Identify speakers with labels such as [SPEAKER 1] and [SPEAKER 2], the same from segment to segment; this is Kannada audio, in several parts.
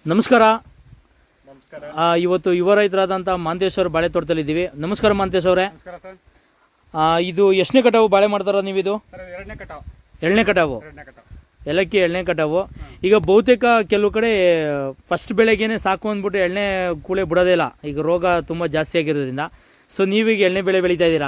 [SPEAKER 1] ನಮಸ್ಕಾರ.
[SPEAKER 2] ನಮಸ್ಕಾರ.
[SPEAKER 1] ಇವತ್ತು ಯುವ ರೈತರಾದಂಥ ಮಾಂತೇಶ್ ಅವರು ಬಾಳೆ ತೋಟದಲ್ಲಿದ್ದೀವಿ. ನಮಸ್ಕಾರ ಮಾಂತೇಶ್ ಅವರೇ.
[SPEAKER 2] ನಮಸ್ಕಾರ ಸರ್.
[SPEAKER 1] ಇದು ಎಷ್ಟನೇ ಕಟಾವು ಬಾಳೆ ಮಾಡ್ತಾರೋ ನೀವು? ಇದು
[SPEAKER 2] ಸರ್ ಎರಡನೇ ಕಟಾವು.
[SPEAKER 1] ಎರಡನೇ ಕಟಾವು. ಏಲಕ್ಕಿ ಎರಡನೇ ಕಟಾವು. ಈಗ ಬಹುತೇಕ ಕೆಲವು ಕಡೆ ಫಸ್ಟ್ ಬೆಳೆಗೇನೆ ಸಾಕು ಅಂದ್ಬಿಟ್ಟು ಎಣ್ಣೆ ಕೂಳೆ ಬಿಡೋದೇ ಇಲ್ಲ, ಈಗ ರೋಗ ತುಂಬ ಜಾಸ್ತಿ ಆಗಿರೋದ್ರಿಂದ. ಸೊ ನೀವೀಗ ಎಣ್ಣೆ ಬೆಳೆ ಬೆಳೀತಾ ಇದ್ದೀರಾ?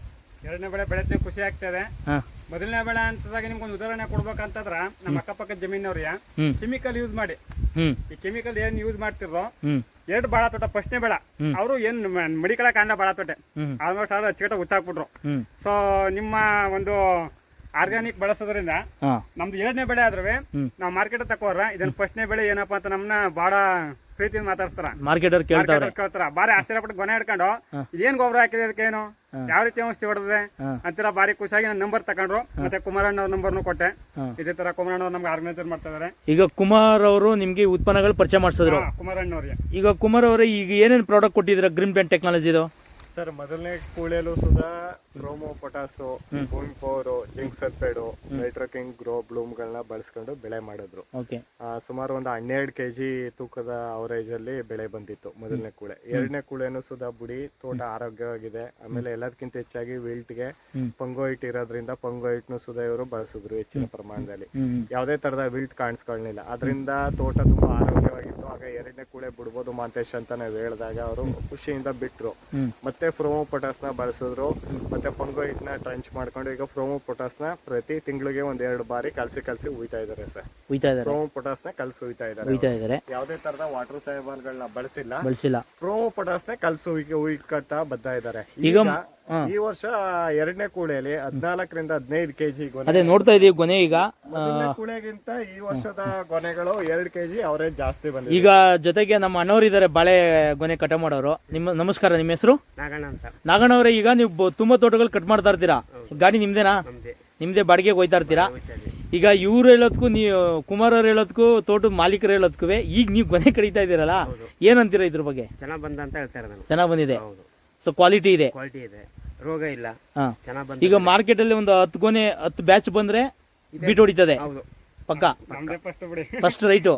[SPEAKER 2] ಎರಡನೇ ಬೆಳೆ ಬೆಳೆದ್ರೆ ಖುಷಿ ಆಗ್ತದೆ.
[SPEAKER 1] ಹಾಂ.
[SPEAKER 2] ಮೊದಲನೇ ಬೆಳೆ ಅಂತದಾಗ ನಿಮ್ಗೊಂದು ಉದಾಹರಣೆ ಕೊಡ್ಬೇಕಂತಂದ್ರ ನಮ್ಮ ಅಕ್ಕಪಕ್ಕದ ಜಮೀನವ್ರಿಗೆ ಕೆಮಿಕಲ್ ಯೂಸ್ ಮಾಡಿ, ಈ ಕೆಮಿಕಲ್ ಏನ್ ಯೂಸ್ ಮಾಡ್ತಿರೋ ಎರಡು ಬಾಳ ತೋಟ ಫಸ್ಟ್ನೇ ಬೆಳೆ ಅವರು ಏನ್ ಮಡಿಕಳ ಕಾಂಡ ಬಾಳ ತೋಟೆ ಆಲ್ಮೋಸ್ಟ್ ಅವ್ರು ಅಚ್ಚುಕಟ್ಟ ಉತ್ತಾಕ್ಬಿಟ್ರು. ಸೊ ನಿಮ್ಮ ಒಂದು ಆರ್ಗಾನಿಕ್ ಬಳಸೋದ್ರಿಂದ ನಮ್ದು ಎರಡನೇ ಬೆಳೆ ಆದ್ರೆ ನಾವು ಮಾರ್ಕೆಟ್ ತಕೋರ ಇದನ್ನ ಫಸ್ಟ್ನೇ ಬೆಳೆ ಏನಪ್ಪಾ ಅಂತ ನಮ್ನ ಬಾಳ ಪ್ರೀತಿ ಮಾತಾಡ್ತಾರ,
[SPEAKER 1] ಮಾರ್ಕೆಟರ್
[SPEAKER 2] ಕೇಳ್ತಾರ. ಬಾರಿ ಆಶ್ಚರ್ಯಪಟ್ಟು ಗೊನೆ ಹಿಡ್ಕೊಂಡು ಇದೇನ್ ಗೊಬ್ಬರ ಹಾಕಿದೆ ಅದಕ್ಕೇನು ಯಾವ ರೀತಿ ಔಷಧಿ ಹೊಡೆದಿದೆ ಅಂತೀರ ಬಾರಿ ಖುಷಿಯಾಗಿ ನನ್ನ ನಂಬರ್ ತಗೊಂಡ್ರು. ಮತ್ತೆ ಕುಮಾರಣ್ಣ ಅವ್ರ ನಂಬರ್ನು ಕೊಟ್ಟೆ. ಇದೇ ತರ ಕುಮಾರಣ್ಣ ಅವ್ರು ನಮ್ಗೆ ಆರ್ಗನೈಸರ್ ಮಾಡ್ತಾ ಇದಾರೆ.
[SPEAKER 1] ಈಗ ಕುಮಾರ್ ಅವರು ನಿಮ್ಗೆ ಉತ್ಪನ್ನಗಳು ಪರಿಚಯ ಮಾಡಿಸಿದ್ರು.
[SPEAKER 2] ಕುಮಾರಣ್ಣ ಅವ್ರಿಗೆ
[SPEAKER 1] ಈಗ ಕುಮಾರ್ ಅವರೇ ಈಗ ಏನೇನು ಪ್ರಾಡಕ್ಟ್ ಕೊಟ್ಟಿದ್ರ ಗ್ರೀನ್ ಪ್ಲಾಂಟ್ ಟೆಕ್ನಾಲಜಿದು?
[SPEAKER 3] ಸರ್ ಮೊದಲನೇ ಕೂಳೆಲು Sudha chromo potash Bhoomi power zinc sulphate nitroking grow ಬ್ಲೂಮ್ಗಳನ್ನ ಬಳಸ್ಕೊಂಡು ಬೆಳೆ ಮಾಡಿದ್ರು. ಸುಮಾರು ಒಂದು 12 kg ತೂಕದ ಅವರೇಜ್ ಅಲ್ಲಿ ಬೆಳೆ ಬಂದಿತ್ತು ಮೊದಲನೇ ಕೂಳೆ. ಎರಡನೇ ಕೂಳೆನು ಸುಧಾ ಬುಡಿ ತೋಟ ಆರೋಗ್ಯವಾಗಿದೆ. ಆಮೇಲೆ ಎಲ್ಲದಕ್ಕಿಂತ ಹೆಚ್ಚಾಗಿ ವಿಲ್ಟ್ಗೆ ಪಂಗೋಯಿಟ್ ಇರೋದ್ರಿಂದ ಪಂಗೋಯಿಟ್ನು ಸುಧಾ ಇವರು ಬಳಸಿದ್ರು ಹೆಚ್ಚಿನ ಪ್ರಮಾಣದಲ್ಲಿ. ಯಾವುದೇ ತರದ ವಿಲ್ಟ್ ಕಾಣಿಸ್ಕೊಳ್ಳಿಲ್ಲ, ಅದರಿಂದ ತೋಟ ತುಂಬಾ ಆರೋಗ್ಯವಾಗಿತ್ತು. ಆಗ ಎರಡನೇ ಕೂಳೆ ಬಿಡ್ಬೋದು ಮಾಂತೇಶ್ ಅಂತ ನಾವು ಹೇಳಿದಾಗ ಅವರು ಖುಷಿಯಿಂದ ಬಿಟ್ರು. ಮತ್ತೆ ಫ್ರೋಮೋ ಪೊಟಾಸ್ ನ ಬಳಸಿದ್ರು. ಮತ್ತೆ ಪಂಗೋಯಿಟ್ ನ ಟ್ರಂಚ್ ಮಾಡ್ಕೊಂಡು ಈಗ ಫ್ರೋಮೋ ಪೊಟಾಸ್ ನ ಪ್ರತಿ ತಿಂಗಳಿಗೆ 1-2 ಬಾರಿ ಕಲಸಿ ಉಯ್ತಾ ಇದಾರೆ ಸರ್. ಫ್ರೋಮೋ ಪೊಟಾಸ್ ನ ಕಲಸಿ ಉಯ್ತಾ ಇದಾರೆ. ಯಾವುದೇ ತರದ ವಾಟರ್ ಸೈಬರ್ಗಳನ್ನ ಬಳಸಿಲ್ಲ. ಫ್ರೋಮೋ ಪೊಟಾಸ್ ನ ಕಲಸಿ ಉಯ್ಕತ್ತಾ ಬರ್ತಾ ಇದಾರೆ. ಈಗ ಈ ವರ್ಷ ಎರಡನೇ ಕೂಳೆಯಲ್ಲಿ 14 ರಿಂದ 15 kg ಗೊನೆ.
[SPEAKER 1] ಅದೇ ನೋಡ್ತಾ ಇದೀವಿ ಗೊನೆ. ಈಗ
[SPEAKER 3] ಕೂಳೆಗಿಂತ ಈ ವರ್ಷದ ಗೊನೆಗಳು 2 kg ಅವರೇಜ್ ಜಾಸ್ತಿ ಬಂದಿದೆ.
[SPEAKER 1] ಈಗ ಜೊತೆಗೆ ನಮ್ಮ ಅಣ್ಣವ್ರು ಇದಾರೆ ಬಾಳೆ ಗೊನೆ ಕಟ ಮಾಡೋರು. ನಿಮ್ಮ ನಮಸ್ಕಾರ, ನಿಮ್ಮ ಹೆಸರು?
[SPEAKER 2] ನಾಗಣ್ಣ ಅಂತ.
[SPEAKER 1] ನಾಗಣ್ಣ ಅವರೇ, ಈಗ ನೀವು ತುಂಬಾ ತೋಟಗಳು ಕಟ್ ಮಾಡ್ತಾ ಇರ್ತೀರಾ, ಗಾಡಿ ನಿಮ್ದೇನಾ? ನಿಮ್ದೇ ಬಾಡಿಗೆಗೆ ಹೋಯ್ತಾ ಇರ್ತೀರಾ? ಈಗ ಇವ್ರು ಹೇಳೋದಕ್ಕೂ ನೀವು ಕುಮಾರ್ ಅವ್ರು ಹೇಳೋದಕ್ಕೂ ತೋಟದ ಮಾಲೀಕರು ಹೇಳೋದಕ್ಕೂ ಈಗ ನೀವು ಗೊನೆ ಕಡಿತಾ ಇದ್ದೀರಲ್ಲ, ಏನಂತೀರಾ ಇದ್ರ ಬಗ್ಗೆ?
[SPEAKER 2] ಚೆನ್ನಾಗ್ ಬಂದ ಅಂತ ಹೇಳ್ತಾರೆ.
[SPEAKER 1] ಚೆನ್ನಾಗ್ ಬಂದಿದೆ. ಸೊ ಕ್ವಾಲಿಟಿ ಇದೆ,
[SPEAKER 2] ರೋಗ ಇಲ್ಲ.
[SPEAKER 1] ಈಗ ಮಾರ್ಕೆಟ್ ಅಲ್ಲಿ ಒಂದು 10 ಗೊನೆ 10 ಬ್ಯಾಚ್ ಬಂದ್ರೆ ಬೀಟ್ ಹೊಡಿತದೆ ಪಕ್ಕ. ಫಸ್ಟ್ ರೈಟು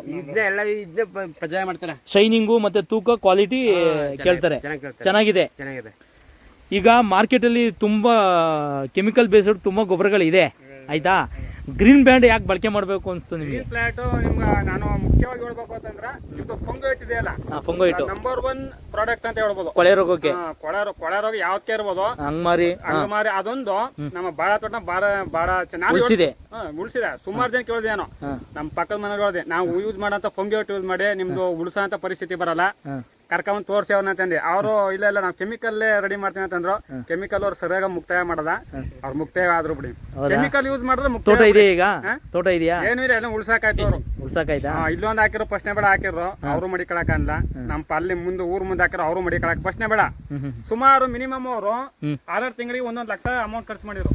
[SPEAKER 1] ಶೈನಿಂಗು ಮತ್ತೆ ತೂಕ ಕ್ವಾಲಿಟಿ ಕೇಳ್ತಾರೆ. ಚೆನ್ನಾಗಿದೆ. ಈಗ ಮಾರ್ಕೆಟ್ ಅಲ್ಲಿ ತುಂಬಾ ಕೆಮಿಕಲ್ ಬೇಸ್ಡ್ ತುಂಬಾ ಗೊಬ್ಬರಗಳಿದೆ, ಆಯ್ತಾ? ಗ್ರೀನ್ ಬ್ಯಾಂಡ್ ಯಾಕೆ ಬಳಕೆ ಮಾಡಬೇಕು ಅನ್ಸ್ತು ನಿಮಗೆ?
[SPEAKER 2] ಗ್ರೀನ್ ಪ್ಲಾಂಟ್ ನಿಮ್ಗೆ ನಾನು ಮುಖ್ಯವಾಗಿ ಹೇಳ್ಬೇಕು ಅಂತಂದ್ರೆ ಇದು ಫಂಗೋಯಿಟ್ ಇದೆಯಲ್ಲ,
[SPEAKER 1] ಫಂಗೋಯಿಟ್
[SPEAKER 2] ನಂಬರ್ 1 ಪ್ರಾಡಕ್ಟ್ ಅಂತ ಹೇಳ್ಬೋದು.
[SPEAKER 1] ಕೊಳೆ ರೋಗಕ್ಕೆ
[SPEAKER 2] ಕೊಳೆ ರೋಗ ಯಾವ್ದಕ್ಕೆ ಇರ್ಬೋದು,
[SPEAKER 1] ಹಂಗಮಾರಿ
[SPEAKER 2] ಅದೊಂದು ನಮ್ಮ ಬಾಳ ತೋಟ ಬಾಳ ಚೆನ್ನಾಗಿ
[SPEAKER 1] ಉಳಿಸಿದೆ.
[SPEAKER 2] ಸುಮಾರು ಜನ ಕೇಳಿದೇನೋ, ನಮ್ಮ ಪಕ್ಕದ ಮನೆ ಹೇಳಿದೆ ನಾವು ಯೂಸ್ ಮಾಡಂತ ಫಂಗೋಯಿಟ್ ಯೂಸ್ ಮಾಡಿ ನಿಮ್ದು ಉಳಿಸೋಂತ ಪರಿಸ್ಥಿತಿ ಬರಲ್ಲ, ಕರ್ಕೊಂಡ್ ತೋರ್ಸಿ ಅವ್ರನ್ನ ಅಂತಂದಿ. ಅವರು ಇಲ್ಲ ನಾವು ಕೆಮಿಕಲ್ ರೆಡಿ ಮಾಡ್ತೀವಿ ಅಂತಂದ್ರು. ಕೆಮಿಕಲ್ ಅವ್ರು ಸರಿಯಾಗಿ ಮುಕ್ತಾಯ ಮಾಡದ, ಅವ್ರು ಮುಕ್ತಾಯ ಆದ್ರು ಬಿಡಿ. ಕೆಮಿಕಲ್ ಯೂಸ್ ಮಾಡಿದ್ರೆ
[SPEAKER 1] ತೋಟ ಇದೆ. ಈಗ ತೋಟ ಇದೆಯಾ?
[SPEAKER 2] ಏನು ಇಲ್ಲ, ಎಲ್ಲ ಉಳ್ಸಾಕಾಯ್ತು. ಅವ್ರು
[SPEAKER 1] ಉಳ್ಸಾಕಾಯ್ತಾ?
[SPEAKER 2] ಇಲ್ಲೊಂದು ಹಾಕಿರೋ ಫಸ್ಟ್ನೇ ಬೆಳೆ ಹಾಕಿರೋ ಅವರು ಮಡಿಕೊಳಕ ಅಲ್ಲ. ನಮ್ಮ ಅಲ್ಲಿ ಮುಂದೆ ಊರ್ ಮುಂದೆ ಹಾಕಿರೋ ಅವರು ಮಡಿಕೊಳಕ್ ಫಸ್ಟ್ನೇ ಬೆಳೆ. ಸುಮಾರು ಮಿನಿಮಮ್ ಅವರು 6 ತಿಂಗಳಿಗೆ 1 ಲಕ್ಷ ಅಮೌಂಟ್ ಖರ್ಚು ಮಾಡಿದ್ರು.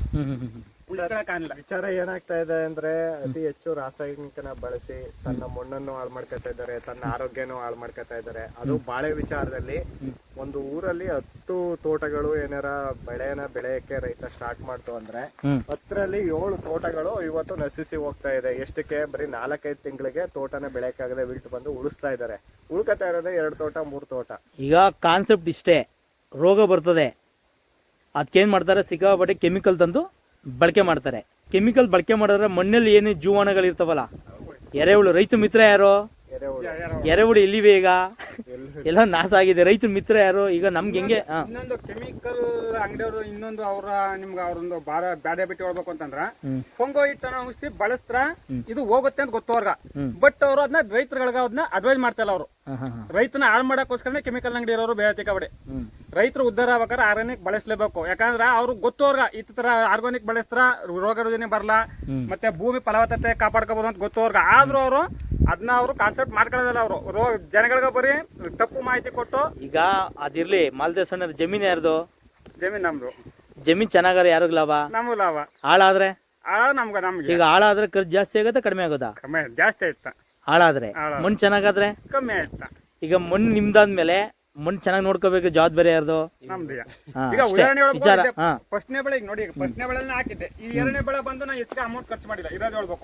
[SPEAKER 3] ವಿಚಾರ ಏನಾಗ್ತಾ ಇದೆ ಅಂದ್ರೆ ಅತಿ ಹೆಚ್ಚು ರಾಸಾಯನಿಕನ ಬಳಸಿ ತನ್ನ ಮಣ್ಣನ್ನು ಹಾಳು ಮಾಡ್ಕೊತಾ ಇದ್ದಾರೆ, ತನ್ನ ಆರೋಗ್ಯನೂ ಹಾಳು ಮಾಡ್ಕೊತಾ ಇದ್ದಾರೆ. ಅದು ಬಾಳೆ ವಿಚಾರದಲ್ಲಿ ಒಂದು ಊರಲ್ಲಿ 10 ತೋಟಗಳು ಏನಾರ ಬೆಳೆಯಕ್ಕೆ ರೈತ ಸ್ಟಾರ್ಟ್ ಮಾಡ್ತು ಅಂದ್ರೆ 10ರಲ್ಲಿ 7 ತೋಟಗಳು ಇವತ್ತು ನಶಿಸಿ ಹೋಗ್ತಾ ಇದೆ. ಎಷ್ಟಕ್ಕೆ? ಬರೀ 4-5 ತಿಂಗಳಿಗೆ ತೋಟನ ಬೆಳೆಯಕ್ಕಾಗದೆ ವಿಲ್ಟ್ ಬಂದು ಉಳಿಸ್ತಾ ಇದ್ದಾರೆ. ಉಳ್ಕೊತಾ ಇರೋದೇ 2 ತೋಟ 3 ತೋಟ.
[SPEAKER 1] ಈಗ ಕಾನ್ಸೆಪ್ಟ್ ಇಷ್ಟೇ, ರೋಗ ಬರ್ತದೆ, ಅದಕ್ಕೇನ್ ಮಾಡ್ತಾರೆ, ಸಿಕ್ಕಾಪಟ್ಟೆ ಕೆಮಿಕಲ್ ತಂದು ಬಳಕೆ ಮಾಡ್ತಾರೆ. ಕೆಮಿಕಲ್ ಬಳಕೆ ಮಾಡಿದ್ರೆ ಮಣ್ಣಲ್ಲಿ ಏನು ಜೀವಾಣುಗಳು ಇರ್ತಾವಲ್ಲ, ಎರೆಹುಳು. ರೈತ ಮಿತ್ರ ಯಾರು? ಎರೆಹುಳು ಎಲ್ಲಿವೆ? ಈಗ ಎಲ್ಲ ನಾಶ ಆಗಿದೆ. ರೈತ ಮಿತ್ರ ಯಾರು? ಈಗ ನಮ್ಗೆ ಹೆಂಗೆ
[SPEAKER 2] ಇನ್ನೊಂದು ಕೆಮಿಕಲ್ ಅಂಗಡಿಯವರು ಇನ್ನೊಂದು ನಿಮ್ಗೆ ಅವ್ರೊಂದು ಬ್ಯಾಡೆ ಬಿಟ್ಟು ಹೇಳ್ಬೇಕು ಅಂತಂದ್ರ ಫಂಗೋಯಿಟ್ ಅನ್ನೋ ಔಷಧಿ ಬಳಸ್ತಾರ, ಇದು ಹೋಗುತ್ತೆ ಅಂತ ಗೊತ್ತವ್ರಗ. ಬಟ್ ಅವರು ಅದನ್ನ ರೈತರುಗಳಿಗೆ ಅದನ್ನ ಅಡ್ವೈಸ್ ಮಾಡ್ತಾಯಿಲ್ಲ. ಅವರು ರೈತನ ಹಾಳು ಮಾಡಕ್ಕೋಸ್ಕರನೇ ಕೆಮಿಕಲ್ ಅಂಗಡಿ ಇರೋರು ಬೇರೆ ಕಬಡಿ. ರೈತರು ಉದ್ಧಾರ ಆಗ್ಬೇಕಾದ್ರೆ ಆರ್ಗಾನಿಕ್ ಬಳಸಲೇಬೇಕು. ಯಾಕಂದ್ರೆ ಅವ್ರು ಗೊತ್ತವ್ರಗ ಈ ತರ ಆರ್ಗಾನಿಕ್ ಬಳಸ್ತಾರ ರೋಗ ರುಜಿನ ಬರಲ್ಲ, ಮತ್ತೆ ಭೂಮಿ ಫಲವತ್ತತೆ ಕಾಪಾಡ್ಕೋಬಹುದು ಅಂತ ಗೊತ್ತವ್ರಗ. ಆದ್ರೂ ಅವರು ಅದನ್ನ ಅವರು ಕಾನ್ಸೆಪ್ಟ್ ಮಾಡ್ಕೊಳ್ಳೋದಲ್ಲ. ಅವರು ಜನಗಳಿಗೆ ಬರೀ ತಪ್ಪು ಮಾಹಿತಿ ಕೊಟ್ಟು.
[SPEAKER 1] ಈಗ ಅದಿರ್ಲಿ, ಮಾಲ್ದೇಶಣ್ಣ ಜಮೀನ್ ಯಾರ್ದು?
[SPEAKER 2] ಜಮೀನ್ ನಮ್ದು.
[SPEAKER 1] ಜಮೀನ್ ಚೆನ್ನಾಗಾರ ಯಾರಿಗ ಲಾಭ? ನಮ್ಗೆ
[SPEAKER 2] ಲಾಭ.
[SPEAKER 1] ಹಾಳಾದ್ರೆ
[SPEAKER 2] ನಮ್ಗೆ
[SPEAKER 1] ಈಗ ಹಾಳಾದ್ರೆ ಖರ್ಚು ಜಾಸ್ತಿ ಆಗುತ್ತಾ ಕಡಿಮೆ ಆಗುತ್ತಾ?
[SPEAKER 2] ಜಾಸ್ತಿ ಆಯ್ತಾ.
[SPEAKER 1] ಹಾಳಾದ್ರೆ ಮಣ್ಣು ಚೆನ್ನಾಗಾದ್ರೆ
[SPEAKER 2] ಕಮ್ಮಿ ಆಯ್ತಾ.
[SPEAKER 1] ಈಗ ಮಣ್ಣು ನಿಮ್ದಾದ್ಮೇಲೆ ಮಣ್ಣು ಚೆನ್ನಾಗಿ ನೋಡ್ಕೋಬೇಕು, ಜವಾಬ್ದಾರಿ ಯಾರ್ದು?
[SPEAKER 2] ಈಗ ಉದಾಹರಣೆ ಫಸ್ಟ್ನೇ ಬೆಳೆ ನೋಡಿ, ಫಸ್ಟ್ನೇ ಬೆಳೆ ಹಾಕಿದ್ದೆ. ಈ ಎರಡನೇ ಬೆಳೆ ಬಂದು ನಾ ಹೆಚ್ಚಿಗೆ ಅಮೌಂಟ್ ಖರ್ಚು ಮಾಡಿಲ್ಲ, ಇರೋದು ಹೇಳ್ಬೇಕು.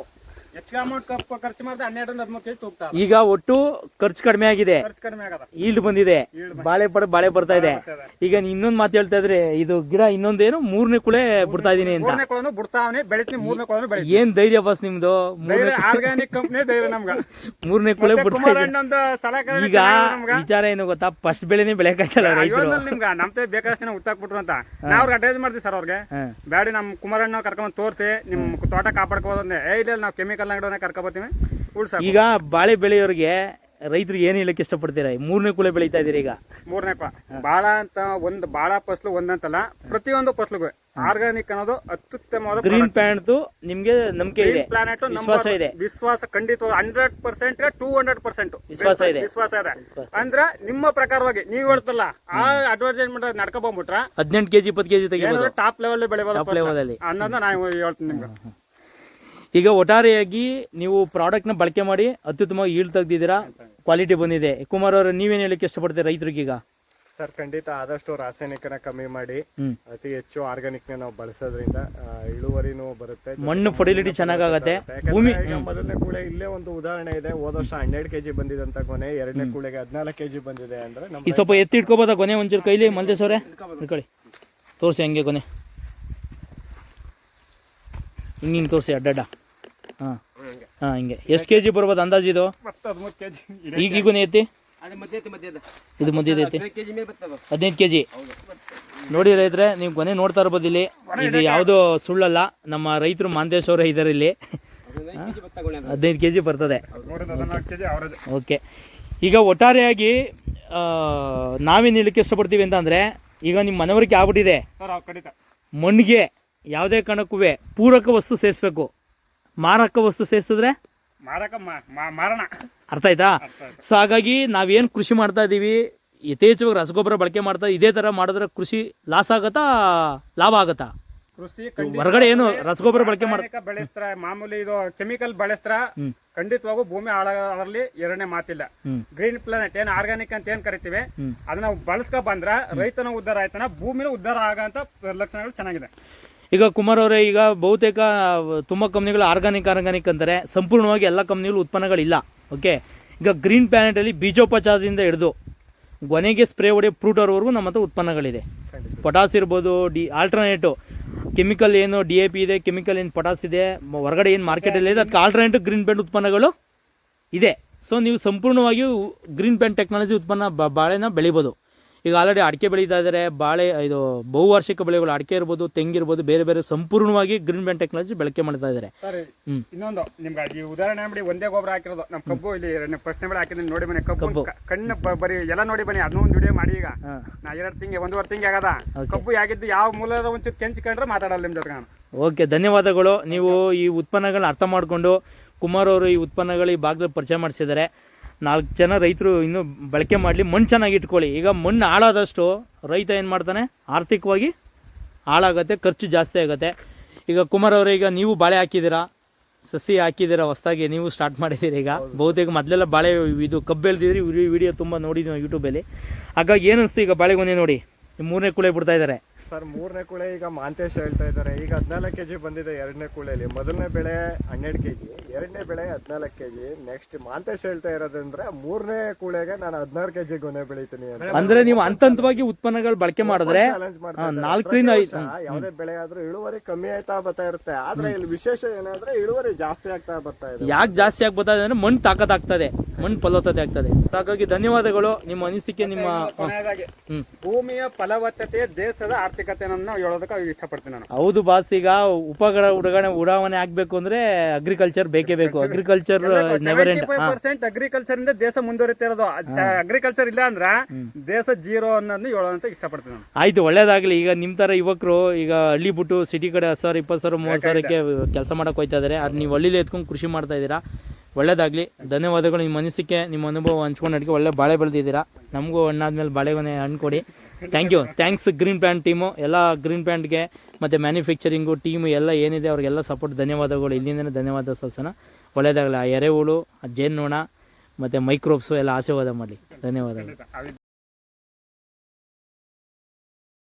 [SPEAKER 2] ಹೆಚ್ಚಿಗೆ ಅಮೌಂಟ್ ಖರ್ಚು ಮಾಡಿದ್ರೆ 12-13 ಕೆಜಿ ತೂಗ್ತಾ
[SPEAKER 1] ಈಗ ಒಟ್ಟು ಖರ್ಚು ಕಡಿಮೆ ಆಗಿದೆ,
[SPEAKER 2] ಖರ್ಚು ಕಡಿಮೆ ಆಗದ.
[SPEAKER 1] ಈಲ್ಡ್ ಬಂದಿದೆ, ಬಾಳೆ ಬರ್ತಾ ಇದೆ. ಈಗ ಇನ್ನೊಂದು ಮಾತು ಹೇಳ್ತಾ ಇದ್ರೆ ಇದು ಗಿಡ ಇನ್ನೊಂದೇನು 3ನೇ ಕುಳೆ ಬಿಡ್ತಾ ಇದೀನಿ ಅಂತ.
[SPEAKER 2] 3ನೇ ಕುಳನು ಬಿಡ್ತಾವನೆ, ಬೆಳಿತೀನಿ 3ನೇ ಕುಳನು ಬೆಳಿತೀನಿ.
[SPEAKER 1] ಏನ್ ಧೈರ್ಯ ಬಸ್ ನಿಮ್ದು?
[SPEAKER 2] ಆರ್ಗಾನಿಕ್ ಕಂಪನಿ ಧೈರ್ಯ ನಮ್ಗ.
[SPEAKER 1] 3ನೇ ಕುಳೆ ಬಿಡ್ತಾ ಇದೆ.
[SPEAKER 2] ಕುಮಾರಣ್ಣಂದು ಸಲಕರಣೆ
[SPEAKER 1] ಈಗ ವಿಚಾರ ಏನು ಗೊತ್ತಾ, ಫಸ್ಟ್ ಬೆಳೆನೇ ಬೆಳೆಯಕ್ಕಾಗಲ್ಲ ರೈತರು.
[SPEAKER 2] ನಿಮ್ಗ ನಮ್ತೆ ಬೇಕಾದಷ್ಟು ಜನ ಉತ್ತಾಕ್ಬಿಟ್ರು ಅಂತ ನಾವು ಅವ್ರಿಗೆ ಅಡ್ವೈಸ್ ಮಾಡ್ತೀವಿ ಸರ್. ಅವ್ರಿಗೆ ಬ್ಯಾಡಿ ನಮ್ ಕುಮಾರಣ್ಣ ಕರ್ಕೊಂಡ್ ತೋರಿಸಿ ನಿಮ್ ತೋಟ ಕಾಪಾಡ್ಕೋದಂದ್ರೆ ಇಲ್ಲ ನಾವು ಕೆಮಿಕಲ್ ಅಂಗಡಿಯನ್ನ ಕರ್ಕೊಬತ್ತೀವಿ ಉಳ್ಸ.
[SPEAKER 1] ಈಗ ಬಾಳೆ ಬೆಳೆಯೋರಿಗೆ ರೈತರಿಗೆ ಏನು ಹೇಳಕ್ಕೆ ಇಷ್ಟಪಡ್ತೀರಾ? 3ನೇ ಕುಳೆ ಬೆಳೀತಾ ಇದೀರಿ ಈಗ.
[SPEAKER 2] 3ನೇ ಕುಳ ಬಾಳ ಅಂತ ಒಂದು ಬಾಳ ಫಸ್ಲು ಒಂದಂತಲ್ಲ, ಪ್ರತಿಯೊಂದು ಫಸ್ಲಿಗೂ ಆರ್ಗಾನಿಕ್ ಅನ್ನೋದು ಅತ್ಯುತ್ತಮವಾದ
[SPEAKER 1] ಗ್ರೀನ್ ಪ್ಲಾನೆಟ್ ನಿಮ್ಗೆ ನಂಬಿಕೆ ಇದೆ,
[SPEAKER 2] ಪ್ಲಾನೆಟ್
[SPEAKER 1] ವಿಶ್ವಾಸ ಇದೆ.
[SPEAKER 2] ವಿಶ್ವಾಸ ಖಂಡಿತ 100% 200%
[SPEAKER 1] ವಿಶ್ವಾಸ ಇದೆ.
[SPEAKER 2] ಅಂದ್ರ ನಿಮ್ಮ ಪ್ರಕಾರವಾಗಿ ನೀವ್ ಹೇಳ್ತಲ್ಲ ಆ ಅಡ್ವರ್ಟೈಸ್ಮೆಂಟ್ ನಡ್ಕೊ ಬಂದ್ಬಿಟ್ರ
[SPEAKER 1] 18 ಕೆಜಿ 20 ಕೆಜಿ ತೆಗಿಬೋದು,
[SPEAKER 2] ಟಾಪ್ ಲೆವೆಲ್
[SPEAKER 1] ಟಾಪ್ ಲೆವೆಲ್ ಅಲ್ಲಿ
[SPEAKER 2] ಅನ್ನೋದನ್ನ ನಾವು ಹೇಳ್ತೀನಿ ನಿಮ್ಗೆ.
[SPEAKER 1] ಈಗ ಒಟ್ಟಾರೆಯಾಗಿ ನೀವು ಪ್ರಾಡಕ್ಟ್ ನ ಬಳಕೆ ಮಾಡಿ ಅತ್ಯುತ್ತಮವಾಗಿ ಈಲ್ಡ್ ತೆಗ್ದಿದ್ದೀರಾ, ಕ್ವಾಲಿಟಿ ಬಂದಿದೆ. ಕುಮಾರ್ ಅವರು ನೀವೇನ್ ಹೇಳಕ್ಕೆ ಇಷ್ಟಪಡ್ತೀರಾ ರೈತರಿಗೆ ಈಗ?
[SPEAKER 3] ಸರ್ ಖಂಡಿತ ಆದಷ್ಟು ರಾಸಾಯನಿಕನ ಕಮ್ಮಿ ಮಾಡಿ ಅತಿ ಹೆಚ್ಚು ಆರ್ಗಾನಿಕ್ ನಾವು ಬಳಸೋದ್ರಿಂದ ಇಳುವರಿನೂ ಬರುತ್ತೆ,
[SPEAKER 1] ಮಣ್ಣು ಫರ್ಟಿಲಿಟಿ ಚೆನ್ನಾಗಾಗತ್ತೆ. ಭೂಮಿ
[SPEAKER 3] ಮೊದಲನೇ ಕೂಳೆ ಇಲ್ಲೇ ಒಂದು ಉದಾಹರಣೆ ಇದೆ. ಹೋದ ವರ್ಷ 12 ಕೆಜಿ ಬಂದಿದಂತ ಗೊನೆ 2ನೇ ಕೂಳೆಗೆ 14 ಕೆಜಿ ಬಂದಿದೆ ಅಂದ್ರೆ
[SPEAKER 1] ಈ ಸ್ವಲ್ಪ ಎತ್ತಿ ಇಟ್ಕೋಬೋದಾ ಗೊನೆ ಒಂಚೂರು ಕೈಲಿ? ಮಲ್ದೇಶ್ ಅವರೇ ಇಟ್ಕೊಳ್ಳಿ, ತೋರಿಸಿ ಹಂಗೆ ಗೊನೆ ಹಿಂಗೆ ತೋರಿಸಿ ಅಡ್ಡಡ್ಡ. ಹಾಂ ಹಾಂ ಹಿಂಗೆ. ಎಷ್ಟು ಕೆಜಿ ಬರ್ಬೋದು ಅಂದಾಜು ಇದು?
[SPEAKER 2] 13 ಕೆಜಿ
[SPEAKER 1] ಈಗ ಗೊನೆ ಎತ್ತಿ, ಇದು ಮಧ್ಯದ ಐತಿ 15 ಕೆಜಿ. ನೋಡಿ ರೈತರೆ, ನೀವು ಗೊನೆ ನೋಡ್ತಾ ಇರ್ಬೋದು ಇಲ್ಲಿ. ಇದು ಯಾವುದೋ ಸುಳ್ಳಲ್ಲ, ನಮ್ಮ ರೈತರು ಮಾಂತೇಶ್ ಅವರೇ ಇದ್ದಾರೆ ಇಲ್ಲಿ. 15 ಕೆಜಿ ಬರ್ತದೆ. ಓಕೆ, ಈಗ ಒಟ್ಟಾರೆಯಾಗಿ ನಾವೇನು ಹೇಳಕ್ಕೆ ಇಷ್ಟಪಡ್ತೀವಿ ಅಂತ ಅಂದರೆ, ಈಗ ನಿಮ್ಮ ಮನವರಿಕೆ ಆಗ್ಬಿಟ್ಟಿದೆ, ಮಣ್ಣಿಗೆ ಯಾವುದೇ ಕಾರಣಕ್ಕೂ ಪೂರಕ ವಸ್ತು ಸೇರಿಸ್ಬೇಕು, ಮಾರಕ ವಸ್ತು ಸೇರಿಸಿದ್ರೆ
[SPEAKER 2] ಮಾರಣ.
[SPEAKER 1] ಅರ್ಥ ಆಯ್ತಾ? ಸೊ ಹಾಗಾಗಿ ನಾವೇನು ಕೃಷಿ ಮಾಡ್ತಾ ಇದ್ದೀವಿ, ಯಥೇಚ್ಛವಾಗಿ ರಸಗೊಬ್ಬರ ಬಳಕೆ ಮಾಡ್ತಾ ಇದೇ ಥರ ಮಾಡಿದ್ರೆ ಕೃಷಿ ಲಾಸ್ ಆಗತ್ತಾ ಲಾಭ ಆಗತ್ತಾ?
[SPEAKER 2] ಕೃಷಿ
[SPEAKER 1] ಹೊರಗಡೆ ಏನು ರಸಗೊಬ್ಬರ ಬಳಕೆ
[SPEAKER 2] ಬೆಳೆಸ್ತಾರ, ಮಾಮೂಲಿ ಇದು ಕೆಮಿಕಲ್ ಬೆಳೆಸ್ತಾರ, ಖಂಡಿತವಾಗೂ ಭೂಮಿ ಹಾಳಾಗಲಿ ಎರಡನೇ ಮಾತಿಲ್ಲ. ಗ್ರೀನ್ ಪ್ಲಾನೆಟ್ ಏನ್ ಆರ್ಗಾನಿಕ್ ಅಂತ ಏನ್ ಕರಿತೀವಿ ಅದನ್ನ ಬಳಸ್ಕೊ ಬಂದ್ರ ರೈತನ ಉದ್ಧಾರ ಆಯ್ತಾನ, ಭೂಮಿನ ಉದ್ಧಾರ ಆಗಂತ ಲಕ್ಷಣಗಳು ಚೆನ್ನಾಗಿದೆ.
[SPEAKER 1] ಈಗ ಕುಮಾರ್ ಅವರೇ, ಈಗ ಬಹುತೇಕ ತುಂಬ ಕಂಪ್ನಿಗಳು ಆರ್ಗಾನಿಕ್ ಅಂತಾರೆ, ಸಂಪೂರ್ಣವಾಗಿ ಎಲ್ಲ ಕಂಪ್ನಿಗಳು ಉತ್ಪನ್ನಗಳಿಲ್ಲ. ಓಕೆ, ಈಗ ಗ್ರೀನ್ ಪ್ಲಾನೆಟಲ್ಲಿ ಬೀಜೋಪಚಾರದಿಂದ ಹಿಡಿದು ಗೊನೆಗೆ ಸ್ಪ್ರೇ ಹೊಡೆಯೋ ಫ್ರೂಟರ್ವರೆಗೂ ನಮ್ಮ ಹತ್ರ ಉತ್ಪನ್ನಗಳಿದೆ. ಪೊಟಾಸ್ ಇರ್ಬೋದು, ಆಲ್ಟರ್ನೇಟಿವ್ ಕೆಮಿಕಲ್ ಏನು DAP ಇದೆ, ಕೆಮಿಕಲ್ ಏನು ಪೊಟಾಸ್ ಇದೆ, ಹೊರಗಡೆ ಏನು ಮಾರ್ಕೆಟಲ್ಲಿ ಇದೆ, ಅದಕ್ಕೆ ಆಲ್ಟರ್ನೇಟಿವ್ ಗ್ರೀನ್ ಪ್ಲಾಂಟ್ ಉತ್ಪನ್ನಗಳು ಇದೆ. ಸೊ ನೀವು ಸಂಪೂರ್ಣವಾಗಿ ಗ್ರೀನ್ ಪ್ಲಾಂಟ್ ಟೆಕ್ನಾಲಜಿ ಉತ್ಪನ್ನ ಬಾಳೆನ ಬೆಳಿಬೋದು. ಈಗ ಆಲ್ರೆಡಿ ಅಡಿಕೆ ಬೆಳೀತಾ ಇದ್ದಾರೆ, ಬಾಳೆ ಇದು ಬಹುವಾರ್ಷಿಕ ಬೆಳೆಗಳು, ಅಡಿಕೆ ಇರ್ಬೋದು, ತೆಂಗಿರ್ಬೋದು, ಬೇರೆ ಬೇರೆ ಸಂಪೂರ್ಣವಾಗಿ ಗ್ರೀನ್ ಪ್ಲಾಂಟ್ ಟೆಕ್ನಾಲಜಿ ಬಳಕೆ ಮಾಡ್ತಾ ಇದ್ದಾರೆ.
[SPEAKER 2] ಇನ್ನೊಂದು ನಿಮ್ಗೆ ಈ ಉದಾಹರಣೆ ಮಾಡಿ ಒಂದೇ ಗೊಬ್ಬರ ಹಾಕಿರೋದು ನಮ್ಮ ಕಬ್ಬು ಇಲ್ಲಿ ಪ್ರಶ್ನೆ ಬೆಳೆ ಹಾಕಿದ್ರೆ ನೋಡಿ ಬನ್ನಿ, ಕಬ್ಬು ಕಣ್ಣು ಬರೀ ಎಲ್ಲ ನೋಡಿ ಬನ್ನಿ. ಅದನ್ನ ಒಂದು ವಿಡಿಯೋ ಮಾಡಿ. ಈಗ ನಾ 1.5 ತಿಂಗಳು ಆಗದ ಕಬ್ಬು ಆಗಿದ್ದು ಯಾವ ಮೂಲದ ಒಂಚೂರು ಕೆಂಚ್ಕೊಂಡ್ರೆ ಮಾತಾಡಲ್ಲ ನಿಮ್ ಜೊತೆ.
[SPEAKER 1] ಓಕೆ, ಧನ್ಯವಾದಗಳು. ನೀವು ಈ ಉತ್ಪನ್ನಗಳನ್ನ ಅರ್ಥ ಮಾಡಿಕೊಂಡು ಕುಮಾರ್ ಅವರು ಈ ಉತ್ಪನ್ನಗಳು ಈ ಭಾಗದಲ್ಲಿ ಪರಿಚಯ ಮಾಡಿಸಿದ್ದಾರೆ. 4 ಜನ ರೈತರು ಇನ್ನೂ ಬಳಕೆ ಮಾಡಲಿ, ಮಣ್ಣು ಚೆನ್ನಾಗಿ ಇಟ್ಕೊಳ್ಳಿ. ಈಗ ಮಣ್ಣು ಹಾಳಾದಷ್ಟು ರೈತ ಏನು ಮಾಡ್ತಾನೆ, ಆರ್ಥಿಕವಾಗಿ ಹಾಳಾಗತ್ತೆ, ಖರ್ಚು ಜಾಸ್ತಿ ಆಗುತ್ತೆ. ಈಗ ಕುಮಾರ್ ಅವರೇ, ಈಗ ನೀವು ಬಾಳೆ ಹಾಕಿದ್ದೀರಾ, ಸಸಿ ಹಾಕಿದ್ದೀರಾ, ಹೊಸದಾಗಿ ನೀವು ಸ್ಟಾರ್ಟ್ ಮಾಡಿದ್ದೀರಿ. ಈಗ ಬಹುತೇಕ ಮೊದಲೆಲ್ಲ ಬಾಳೆ ಇದು ಕಬ್ಬು ಬೆಳೆದಿದ್ರಿ, ವಿಡಿಯೋ ತುಂಬ ನೋಡಿದ್ವಿ ಯೂಟ್ಯೂಬಲ್ಲಿ. ಹಾಗಾಗಿ ಏನು ಅನಿಸ್ತು ಈಗ ಬಾಳೆಗೊನೆ ನೋಡಿ 3ನೇ ಕುಳೆ ಬಿಡ್ತಾ ಇದ್ದಾರೆ?
[SPEAKER 3] ಸರ್ 3ನೇ ಕುಳೆ ಈಗ ಮಾಂತೇಶ್ ಹೇಳ್ತಾ ಇದ್ದಾರೆ, ಈಗ 14 ಕೆಜಿ ಬಂದಿದೆ 2ನೇ ಕುಳೆಯಲ್ಲಿ. ಮೊದಲನೇ ಬೆಳೆ 12 ಕೆಜಿ, 2ನೇ ಬೆಳೆ 14 ಕೆಜಿ. ನೆಕ್ಸ್ಟ್ ಮಾಂತೇಶ್ ಹೇಳ್ತಾ ಇರೋದಂದ್ರೆ 3ನೇ ಕುಳೆಗೆ ನಾನು 16 ಕೆಜಿ ಗೊನೆ ಬೆಳಿತೀನಿ ಅಂತ.
[SPEAKER 1] ಅಂದ್ರೆ ನೀವು ಹಂತವಾಗಿ ಉತ್ಪನ್ನಗಳು ಬಳಕೆ ಮಾಡಿದ್ರೆ 4ರಿಂದ 5
[SPEAKER 3] ಯಾವುದೇ ಬೆಳೆ ಆದ್ರೂ ಇಳುವರಿ ಕಮ್ಮಿ ಆಯ್ತಾ ಬರ್ತಾ ಇರುತ್ತೆ. ಆದ್ರೆ ಇಲ್ಲಿ ವಿಶೇಷ ಏನಾದ್ರೆ ಇಳುವರಿ ಜಾಸ್ತಿ ಆಗ್ತಾ ಬರ್ತಾ ಇದೆ.
[SPEAKER 1] ಯಾಕೆ ಜಾಸ್ತಿ ಆಗ್ತಾ ಇದೆ ಅಂದ್ರೆ ಮಣ್ಣು ತಾಕತ್ತಾಗ್ತದೆ, ಮಣ್ಣು ಫಲವತ್ತತೆ ಆಗ್ತದೆ. ಸೊ ಹಾಗಾಗಿ ಧನ್ಯವಾದಗಳು. ನಿಮ್ಮ ಅನಿಸಿಕೆ, ನಿಮ್ಮ
[SPEAKER 2] ಭೂಮಿಯ ಫಲವತ್ತತೆ ದೇಶದ ಆರ್ಥಿಕತೆ ಹೇಳೋದಕ್ಕೆ ಇಷ್ಟಪಡ್ತೀನಿ ನಾನು.
[SPEAKER 1] ಹೌದು ಬಾಸ್, ಈಗ ಉಪಗ್ರಹ ಉಡಾವಣೆ ಆಗ್ಬೇಕು ಅಂದ್ರೆ ಅಗ್ರಿಕಲ್ಚರ್ ಬೇಕೇ ಬೇಕು. Agriculture never end.
[SPEAKER 2] 75% ಅಗ್ರಿಕಲ್ಚರ್ ಇಂದ ದೇಶ ಮುಂದುವರಿತಾ ಇರೋದು. ಅಗ್ರಿಕಲ್ಚರ್ ಇಲ್ಲ ಅಂದ್ರ ದೇಶ ಜೀರೋ ಅನ್ನೋದನ್ನ ಹೇಳೋದಂತ ಇಷ್ಟಪಡ್ತೀನಿ ನಾನು.
[SPEAKER 1] ಆಯ್ತು, ಒಳ್ಳೇದಾಗ್ಲಿ. ಈಗ ನಿಮ್ ತರ ಯುವಕರು ಈಗ ಹಳ್ಳಿ ಬಿಟ್ಟು ಸಿಟಿ ಕಡೆ 10,000, 20,000, 30,000ಕ್ಕೆ ಕೆಲಸ ಮಾಡಕ್ ಹೋಯ್ತಾ ಇದಾರೆ. ಅದು ನೀವು ಹಳ್ಳಿಲಿ ಎತ್ಕೊಂಡು ಕೃಷಿ ಮಾಡ್ತಾ ಇದ್ದೀರಾ, ಒಳ್ಳೇದಾಗಲಿ. ಧನ್ಯವಾದಗಳು. ನಿಮ್ಮ ಅನಿಸಿಕೆ, ನಿಮ್ಮ ಅನುಭವ ಹಂಚ್ಕೊಂಡು ಅಡಿಗೆ ಒಳ್ಳೆ ಬಾಳೆ ಬೆಳೆದಿದ್ದೀರಾ. ನಮಗೂ ಹಣ್ಣಾದ್ಮೇಲೆ ಬಾಳೆಗೊನೆ ಹಣ್ಣು ಕೊಡಿ. Thank you. Thanks green plant team, ಎಲ್ಲ ಗ್ರೀನ್ ಪ್ಲಾಂಟ್ಗೆ ಮತ್ತು ಮ್ಯಾನುಫ್ಯಾಕ್ಚರಿಂಗು ಟೀಮು ಎಲ್ಲ ಏನಿದೆ ಅವ್ರಿಗೆಲ್ಲ ಸಪೋರ್ಟ್ ಧನ್ಯವಾದಗಳು. ಇಲ್ಲಿಂದನೇ ಧನ್ಯವಾದ ಸಲ್ಸನ. ಒಳ್ಳೆಯದಾಗಲಿ. ಆ ಎರೆಹುಳು, ಆ ಜೇನ್ನೋಣ ಮತ್ತು ಮೈಕ್ರೋಬ್ಸು ಎಲ್ಲ ಆಶೀರ್ವಾದ ಮಾಡಲಿ. ಧನ್ಯವಾದಗಳು.